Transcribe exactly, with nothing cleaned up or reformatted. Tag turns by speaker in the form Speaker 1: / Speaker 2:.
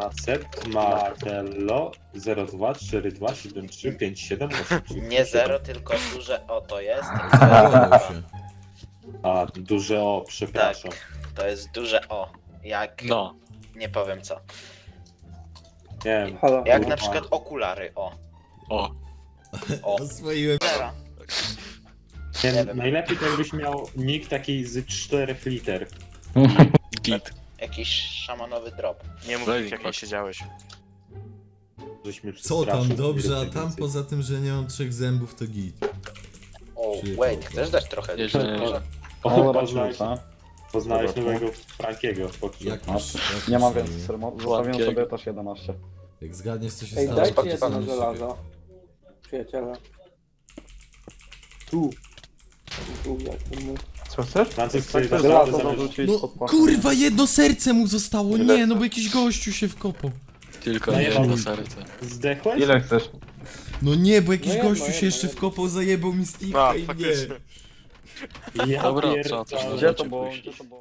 Speaker 1: Nacet Martello zero dwa cztery dwa siedem trzy pięć siedem osiem.
Speaker 2: Nie zero, tylko duże O to jest.
Speaker 3: Zalogował się.
Speaker 1: A, duże O, przepraszam.
Speaker 2: To jest duże O. Jak...
Speaker 4: No.
Speaker 2: Nie powiem co.
Speaker 1: Nie wiem.
Speaker 5: Halo.
Speaker 2: Jak
Speaker 1: kurwa.
Speaker 2: na przykład okulary, o.
Speaker 4: O.
Speaker 2: O.
Speaker 3: Oswoiłem.
Speaker 2: Zera.
Speaker 1: Nie,
Speaker 2: nie wiem.
Speaker 1: najlepiej to jakbyś miał nick taki z czterech liter.
Speaker 4: Git.
Speaker 2: Jakiś szamanowy drop.
Speaker 6: Nie mów,
Speaker 4: Weź,
Speaker 6: jak nie
Speaker 4: patrz.
Speaker 6: siedziałeś.
Speaker 1: Żeś mnie
Speaker 3: Co tam
Speaker 1: przestraszył,
Speaker 3: dobrze, a
Speaker 1: nie wiem,
Speaker 3: tam
Speaker 1: więcej.
Speaker 3: poza tym, że nie mam trzech zębów, to git.
Speaker 2: O,
Speaker 3: Czyli
Speaker 2: wait,
Speaker 3: to-
Speaker 2: chcesz dać trochę?
Speaker 4: Jeszcze nie.
Speaker 2: Może?
Speaker 1: O, poznałeś, poznałeś nowego Frankiego.
Speaker 3: Jak
Speaker 7: No,
Speaker 3: masz? jak
Speaker 7: Nie mam
Speaker 3: masz,
Speaker 7: więcej sermów,
Speaker 4: Władkiego.
Speaker 7: zostawiłem sobie też jedenaście.
Speaker 3: Jak zgadniesz, co się
Speaker 5: Ej,
Speaker 3: stało,
Speaker 5: dajcie
Speaker 3: to
Speaker 5: jedno
Speaker 3: dostaniesz
Speaker 5: żelazo. Przyjaciele.
Speaker 1: Tu.
Speaker 5: Tu, jak to mówię.
Speaker 7: Co chcesz?
Speaker 1: Francuz
Speaker 7: Tak,
Speaker 1: sobie
Speaker 7: to
Speaker 1: naprawdę
Speaker 7: żelazo
Speaker 1: zamiast-
Speaker 7: dorzucić
Speaker 3: No
Speaker 7: pod pachą.
Speaker 3: kurwa, jedno serce mu zostało,
Speaker 7: Ile
Speaker 3: nie, no bo
Speaker 7: chcesz?
Speaker 3: jakiś gościu się wkopał.
Speaker 4: Tylko
Speaker 1: Najebał
Speaker 4: jedno
Speaker 1: mi.
Speaker 4: serce.
Speaker 1: Zdechłeś?
Speaker 7: Ile chcesz?
Speaker 3: No nie, bo jakiś
Speaker 5: No jedno,
Speaker 3: gościu się
Speaker 5: jedno,
Speaker 3: jeszcze
Speaker 5: jedno.
Speaker 3: wkopał, zajebał mi Steve'a
Speaker 6: A,
Speaker 3: i nie.
Speaker 6: faktycznie.
Speaker 1: Ja
Speaker 4: Dobra,
Speaker 1: pierdolę.
Speaker 4: trzeba coś
Speaker 7: Gdzie to
Speaker 4: Możecie
Speaker 7: było?
Speaker 4: pójść.
Speaker 7: Gdzie to było?